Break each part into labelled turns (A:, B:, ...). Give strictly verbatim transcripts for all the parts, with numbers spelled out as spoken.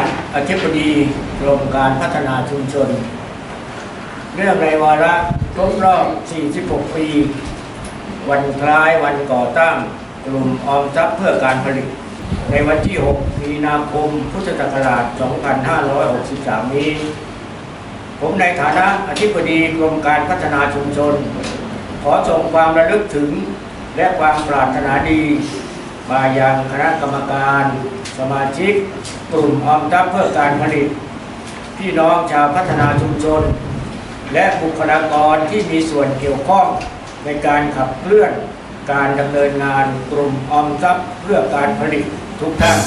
A: อธิบดีกรมการพัฒนาชุมชนเนื่องในวาระครบรอบ สี่สิบหก ปี วันคล้ายวันก่อตั้งกลุ่มออมทรัพย์เพื่อการผลิตในวันที่ หก มีนาคม พุทธศักราช สองพันห้าร้อยหกสิบสาม นี้ ผมในฐานะอธิบดีกรมการพัฒนาชุมชนขอส่งความระลึกถึงและความปรารถนาดีมายังคณะกรรมการสมาชิกกลุ่มออมทรัพย์เพื่อการผลิตพี่น้องชาวพัฒนาชุมชนและบุคลากรที่มีส่วนเกี่ยวข้องในการขับเคลื่อนการดำเนินงานกลุ่มออมทรัพย์เพื่อการผลิตทุกท่าน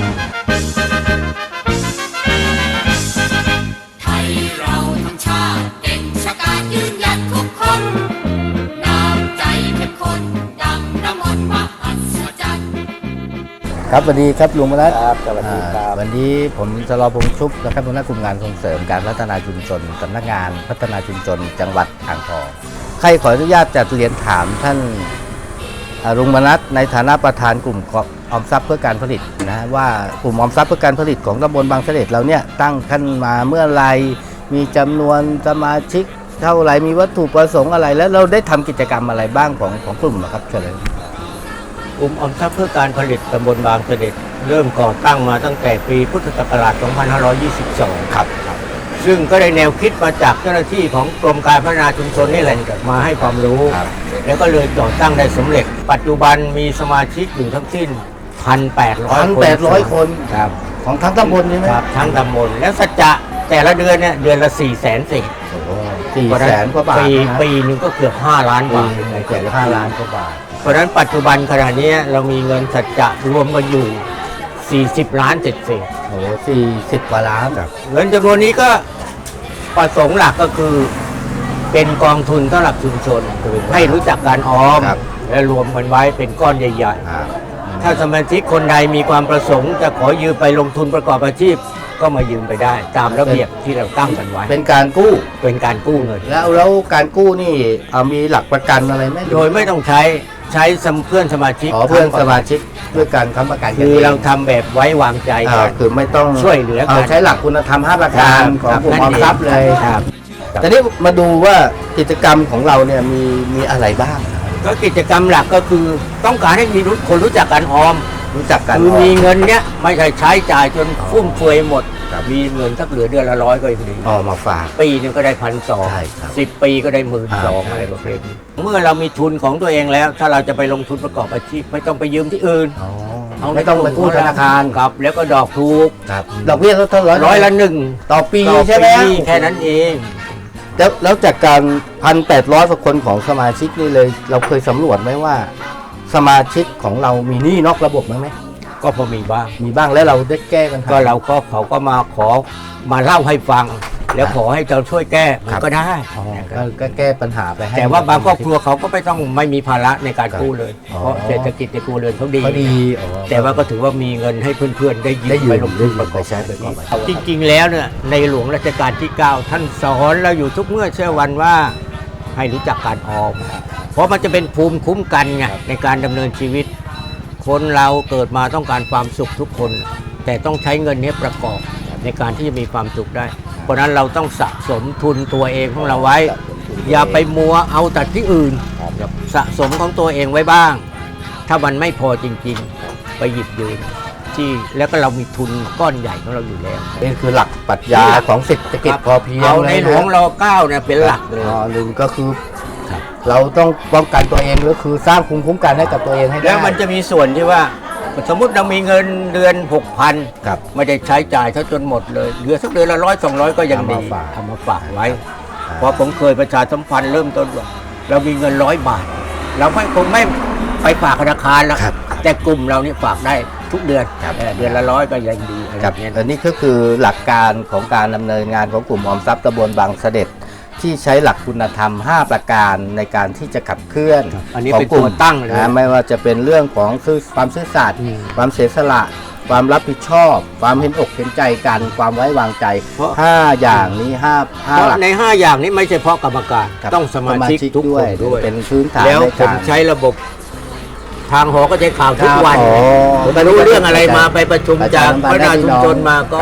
B: ไทยเราทั้งชาติเก่งชะกาจยืนหยัดทุกคนน้ำใจเข้มข้นดังน้ำมนต์มหัศจรรย์
C: ครับสวัสดีครับลุงมนัส
D: ครับสวัสดีครับ
C: วันนี้ผมชลพงษ์ชุบนะครับหัวหน้ากลุ่มงานส่งเสริมการพัฒนาชุมชนสำนักงานพัฒนาชุมชนจังหวัดอ่างทองใครขออนุญาตจัดเรียนถามท่านลุงมนัสในฐานะประธานกลุ่มออมทรัพย์เพื่อการผลิตนะว่ากลุ่มออมทรัพย์เพื่อการผลิตของตำบลบางเสด็จเราเนี่ยตั้งขึ้นมาเมื่อไรมีจำนวนสมาชิกเท่าไรมีวัตถุประสงค์อะไรแล้วเราได้ทำกิจกรรมอะไรบ้างของของกลุ่มนะครับเชิญเลย
A: กลุ่มออมทรัพย์เพื่อการผลิตตำบลบางเสด็จเริ่มก่อตั้งมาตั้งแต่ปีพุทธศักราช สองพันห้าร้อยยี่สิบสอง ครับซึ่งก็ได้แนวคิดมาจากเจ้าหน้าที่ของกรมการพัฒนาชุมชนนี่แหละมาให้ความรู้แล้วก็เลยก่อตั้งได้สำเร็จปัจจุบันมีสมาชิกอยู่ทั้งสิ้น หนึ่งพันแปดร้อย คน
C: หนึ่งพันแปดร้อย คนครับของทั้งตำบลใช่ไหม
A: ครับทั้งตำบลแล้วสัจจะแต่ละเดือนเนี่ยเดือนละ สี่แสนสิบ
C: สี่แสนกว่าบาท
A: ปีปีนึงก็เกือบห้าล้านบาท
C: เกือบห้าล้านกว่าบาท
A: เพราะฉะนั้นปัจจุบันขณะนี้เรามีเงินสัจจะรวมกันอยู่สี่สิบล้านเศษๆ
C: โอ้สี่สิบกว่าล้าน
A: เงินจำนวนนี้ก็ประสงค์หลักก็คือเป็นกองทุนสำหรับชุมชนให้รู้จักการออมและรวมกันไว้เป็นก้อนใหญ่ๆถ้าสมาชิกคนใดมีความประสงค์จะขอยืมไปลงทุนประกอบอาชีพก็มายืมไปได้ตามระเบียบที่เราตั้งกันไว้
C: เป็นการกู้
A: เป็นการกู้เงิน
C: แล้วแล้วการกู้นี่มีหลักประกันอะไรไหม
A: โดยไม่ต้องใช้ใช้เพื่อนสมาชิก
C: เพื่อนสมาชิกด้วยการค้ำประกัน
A: คือเราทำแบบไว้วางใจกัน
C: คือไม่ต้อง
A: ช่วยเหลือกัน
C: ใช้หลักคุณธรรมห้าประการของกลุ่มออมทรัพย์เลยครับแต่นี้มาดูว่ากิจกรรมของเราเนี่ยมีมีอะไรบ้าง
A: ก็กิจกรรมหลักก็คือต้องการให้มีคนรู้จักการออม
C: รู้จักกัน
A: คือมีเงินเนี้ยไม่ใช่ใช้จ่ายจนฟุ่มเฟือยหมดมีเงินสักเหลือเดือนละร้อยก็ยังดี
C: ออกมาฝาก
A: ปีนึงก็ได้พันสองสิบปีก็ได้หมื่นสองอะไรประเภทนี้เมื่อเรามีทุนของตัวเองแล้วถ้าเราจะไปลงทุนประกอบอาชีพไม่ต้องไปยืมที่อื่น
C: ไม่ต้องไปกู้ธนาคาร
A: ครับแล้วก็ดอกถูก
C: ดอกเบี้ยเท่าไหร่
A: ร้อยละหนึ่ง
C: ต่อปีใช่ไหม
A: แค่นั้นเอง
C: แล้วแล้วจากการพันแปดร้อยกว่าคนของสมาชิกนี่เลยเราเคยสำรวจไหมว่าสมาชิกของเรามีหนี้นอกระบบไหม
A: ก็พอมีบ้าง
C: มีบ้างแล้วเราได้แก้กัน
A: ก็เราก็เขาก็มาขอมาเล่าให้ฟังแล้วขอให้เราช่วยแก้ก็ได้
C: ก็แก้ปัญหาไปให้
A: แต่ว่าบางครอบครัวเขาก็ไม่ต้องไม่มีภาระในการกู้เลยเพราะเศรษฐกิจในครัวเรือนเขาดีแต่ว่าก็ถือว่ามีเงินให้เพื่อนๆได้ยืมไปลงทุนประกอบใช้ไปก่อนจริงๆแล้วเนี่ยในหลวงรัชกาลที่เก้าท่านสอนเราอยู่ทุกเมื่อเช้าวันว่าให้รู้จักการออมเพราะมันจะเป็นภูมิคุ้มกันไงในการดำเนินชีวิตคนเราเกิดมาต้องการความสุขทุกคนแต่ต้องใช้เงินนี้ประกอบในการที่จะมีความสุขได้เพราะนั้นเราต้องสะสมทุนตัวเองของเราไว้อย่าไปมัวเอาแต่ที่อื่นสะสมของตัวเองไว้บ้างถ้ามันไม่พอจริงๆไปหยิบยืมที่แล้วก็เรามีทุนก้อนใหญ่ของเราอยู่แล้ว
C: นี่คือหลักปรัชญาของเศรษฐกิจพอเพียง
A: เอาในหลวงรอเก้าเนี่ยเป็นหลักเลย
C: หนึ่งก็คือเราต้องป้องกันตัวเองก็คือสร้างภูมิคุ้มกันให้กับตัวเองให้ได้
A: แล้วมันจะมีส่วนที่ว่าสมมติเรามีเงินเดือน หกพัน
C: ครับ
A: ไม่ได้ใช้จ่ายเท่าจนหมดเลยเหลือสักเดือนละร้อยสองร้อยก็ยังดีเอามาฝากไว้เพราะผมเคยประชาสัมพันธ์เริ่มต้นว่าเรามีเงินร้อยบาทเราไม่คงไม่ไปฝากธนาคารแล้วแต่กลุ่มเรานี่ฝากได้ทุกเดือนเดือนละร้อยก็ยังดี
C: ครับอันนี้ก็คือหลักการของการดำเนินงานของกลุ่มออมทรัพย์ตำบลบางเสด็จที่ใช้หลักคุณธรรมห้าประการในการที่จะขับเคลื่อน
A: ของกลุ่มตั้ง
C: นะไม่ว่าจะเป็นเรื่องของความซื่อสัตย์ความเสียสละความรับผิดชอบความเห็นอกเห็นใจกันความไว้วางใจห้าอย่างนี้ห้าห้าหลัก
A: ในห้าอย่างนี้ไม่ใช่เพราะกรรมการต้องสมาชิกทุกคนด้วย
C: เป็นพื้นฐาน
A: แล้วผมใช้ระบบทางหอก็ใช้ข่าวทุกวันผมรู้เรื่องอะไรมาไปประชุมจากพัฒนาชุมชนมาก็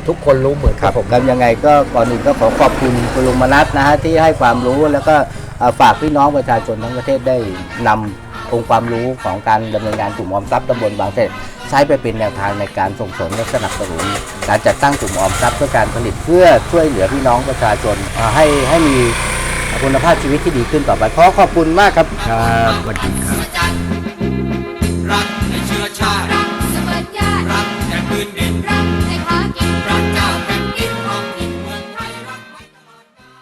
D: ทุกคนรู้เหมือนกับผม
C: ครับยังไงก็ก่อนอื่นก็ขอขอบคุณคุณลุงมนัสนะฮะที่ให้ความรู้แล้วก็เอ่อฝากพี่น้องประชาชนทั้งประเทศได้นำองค์ความรู้ของการดำเนินงานกลุ่มออมทรัพย์ตำบลบางเสร็จใช้ไปเป็นแนวทางในการส่งเสริมและสนับสนุนการจัดตั้งกลุ่มออมทรัพย์เพื่อการผลิตเพื่อช่วยเหลือพี่น้องประชาชนเอ่อให้ให้มีคุณภาพชีวิตที่ดีขึ้นต่อไปขอขอบคุณมากครับ
D: ครับสวัสดีครับ
B: รักในเชื้อชาติ